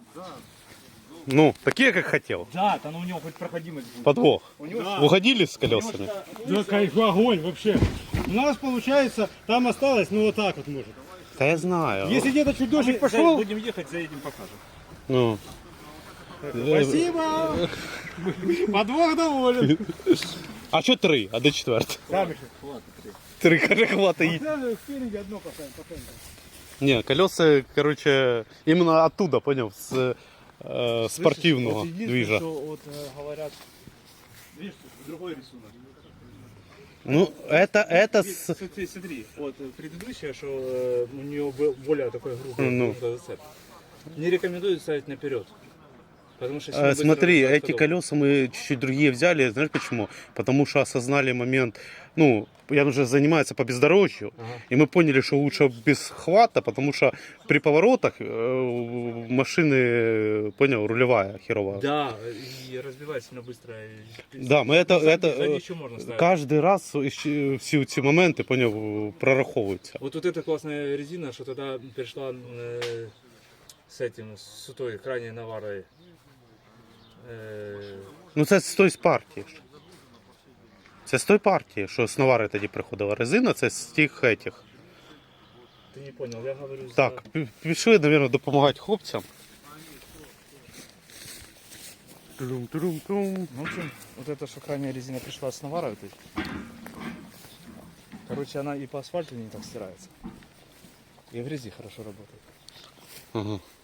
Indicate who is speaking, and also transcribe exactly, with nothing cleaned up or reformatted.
Speaker 1: Ну, такие, как хотел.
Speaker 2: Да, там у него хоть проходимость будет.
Speaker 1: Подвох.
Speaker 2: У него
Speaker 3: Да.
Speaker 1: Угодили с колесами?
Speaker 3: Да, кайф, огонь вообще. У нас получается, там осталось, ну вот так вот может.
Speaker 1: Да я знаю.
Speaker 3: Если где-то чуть дождик
Speaker 2: Мы
Speaker 3: пошел,
Speaker 2: будем ехать, заедем, покажем.
Speaker 1: Ну.
Speaker 3: спасибо. Подвох доволен.
Speaker 1: А що три? А де четвертий?
Speaker 3: Сами
Speaker 1: Три, каже, хватає.
Speaker 3: спереди одно поставим, поставим.
Speaker 1: Не, колеса, короче, именно оттуда, понял, с э, спортивного
Speaker 2: Вот единственное,
Speaker 1: движа.
Speaker 2: что вот э, говорят, видишь, другой рисунок.
Speaker 1: Ну, это, это с...
Speaker 2: Смотри, смотри, вот э, предыдущее, что э, у нее был более такой грубый
Speaker 1: Ну.
Speaker 2: грубый зацеп. Не рекомендую ставить наперед. Потому что
Speaker 1: Э,
Speaker 2: сильно быстро
Speaker 1: Смотри,
Speaker 2: разгрузка
Speaker 1: эти
Speaker 2: дома.
Speaker 1: колеса мы чуть-чуть другие взяли, знаешь почему? Потому что осознали момент, ну, я уже занимаюсь по бездорожью,
Speaker 2: Ага.
Speaker 1: и мы поняли, что лучше без хвата, потому что при поворотах э, машины, понял, рулевая херовая.
Speaker 2: Да, и разбивает сильно быстро. и-
Speaker 1: Да, мы это,
Speaker 2: Сзади-
Speaker 1: это
Speaker 2: сзади
Speaker 1: э,
Speaker 2: еще можно ставить.
Speaker 1: каждый раз ищ- все эти моменты, понял, прораховываются.
Speaker 2: Вот, вот эта классная резина, что тогда перешла э, с этим, с той крайней наварой. Э,
Speaker 1: Ну це з тої партії. ж. Це з тої партії, що з Навари тоді приходила резина, це з тих етіх.
Speaker 2: ты не понял, я говорю за-
Speaker 1: Так, пі- пішли, мабуть, допомагати хлопцям. Трум-трум-трум.
Speaker 2: Ну, в общем, вот эта что крайняя резина пришла с наварой. Вот этой. Короче, она и по асфальту не так стирается. И в грязи хорошо работает.
Speaker 1: Ага.